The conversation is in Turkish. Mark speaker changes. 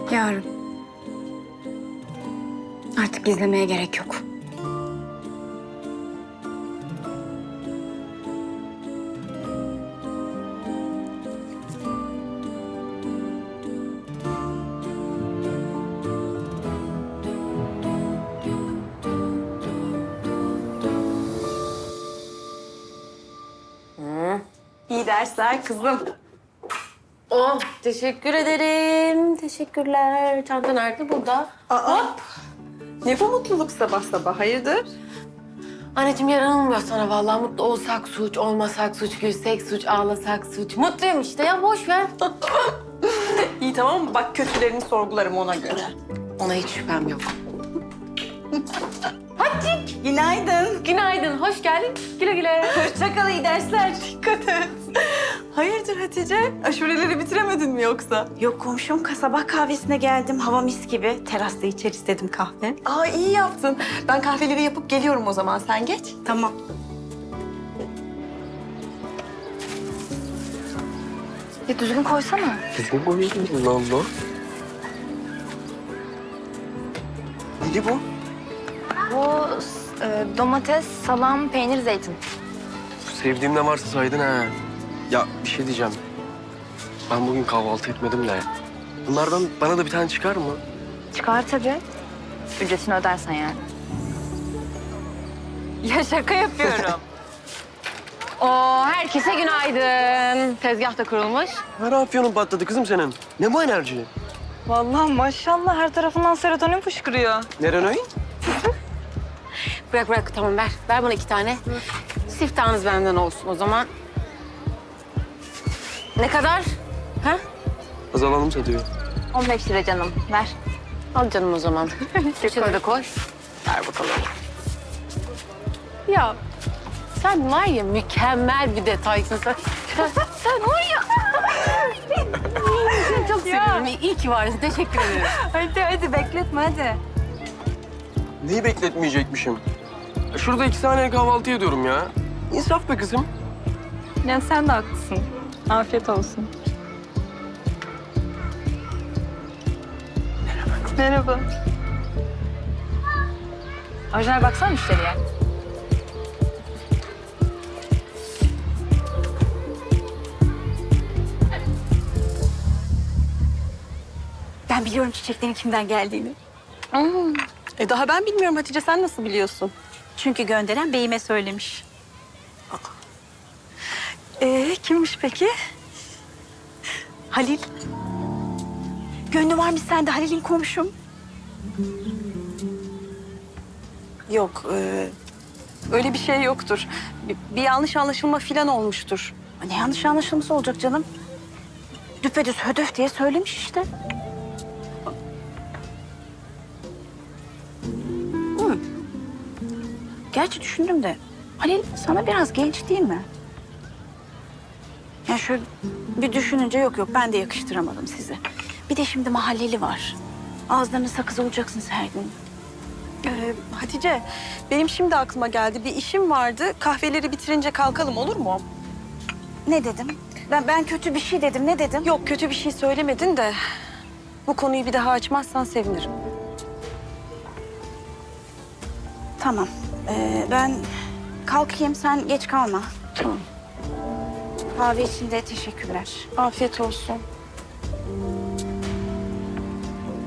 Speaker 1: Yarın. Artık gizlemeye gerek yok.
Speaker 2: İyi dersler kızım.
Speaker 3: Oh, teşekkür ederim. Teşekkürler. Çanta nerede? Burada.
Speaker 2: Hop. Ne bu mutluluk sabah sabah, hayırdır?
Speaker 3: Anneciğim yaranılmıyor sana vallahi. Mutlu olsak suç, olmasak suç, gülsek suç, ağlasak suç. Mutluyum işte ya, boş ver.
Speaker 2: İyi tamam mı? Bak kötülerini sorgularım ona göre.
Speaker 3: Ona hiç şüphem yok.
Speaker 2: Günaydın.
Speaker 3: Günaydın, hoş geldin. Güle güle.
Speaker 2: Hoşça kal, iyi dersler. Dikkat et. Hayırdır Hatice? Aşureleri bitiremedin mi yoksa?
Speaker 4: Yok komşum sabah kahvesine geldim. Hava mis gibi. Terasta içer istedim kahve.
Speaker 2: Aa iyi yaptın. Ben kahveleri yapıp geliyorum o zaman. Sen geç.
Speaker 4: Tamam.
Speaker 1: Ya düzgün koysana.
Speaker 5: Düzgün koyuyorsun Allah Allah. Neydi bu?
Speaker 1: Bu domates, salam, peynir, zeytin.
Speaker 5: Sevdiğim ne varsa saydın ha. Ya bir şey diyeceğim. Ben bugün kahvaltı etmedim de. Bunlardan bana da bir tane çıkar mı?
Speaker 1: Çıkar tabii. Ücretini ödersen yani. Ya şaka yapıyorum. Oo, herkese günaydın. Tezgah da kurulmuş.
Speaker 5: Her afyonun patladı kızım senin. Ne bu enerji?
Speaker 4: Vallahi maşallah her tarafından serotonin fışkırıyor.
Speaker 5: Neren oyun?
Speaker 3: Bırak tamam ver. Ver bana 2 tane. Siftahınız benden olsun o zaman. Ne kadar? Ha?
Speaker 5: Azalanım satıyor.
Speaker 1: 15 lira canım. Ver.
Speaker 3: Al canım o zaman. Şöyle de koy. Ver bakalım. Ya sen var ya mükemmel bir detaysın sen. Sen var ya. Seni çok seviyorum. İyi ki varsın. Teşekkür ederim.
Speaker 4: Hadi bekletme hadi.
Speaker 5: Neyi bekletmeyecekmişim? Şurada 2 saniye kahvaltı ediyorum ya. İnsaf be kızım.
Speaker 4: Ya sen de haklısın. Afiyet olsun. Merhaba. Orijinal baksana müşteriye. Ben biliyorum çiçeklerin kimden geldiğini.
Speaker 2: Daha ben bilmiyorum Hatice. Sen nasıl biliyorsun?
Speaker 4: Çünkü gönderen beyime söylemiş. Kimmiş peki? Halil. Gönlü varmış sende Halil'in komşum.
Speaker 2: Yok. Öyle bir şey yoktur. Bir yanlış anlaşılma falan olmuştur.
Speaker 4: Ne yanlış anlaşılması olacak canım? Düpedüz hödöf diye söylemiş işte. Gerçi düşündüm de Halil sana biraz genç değil mi? Ya şöyle bir düşününce yok ben de yakıştıramadım sizi. Bir de şimdi mahalleli var. Ağızlarını sakız olacaksınız her gün.
Speaker 2: Hatice, benim şimdi aklıma geldi. Bir işim vardı. Kahveleri bitirince kalkalım olur mu?
Speaker 4: Ne dedim? Ben kötü bir şey dedim. Ne dedim?
Speaker 2: Yok, kötü bir şey söylemedin de bu konuyu bir daha açmazsan sevinirim.
Speaker 4: Tamam. Ben kalkayım sen geç kalma.
Speaker 2: Tamam.
Speaker 4: Kahve için de teşekkürler.
Speaker 2: Afiyet olsun.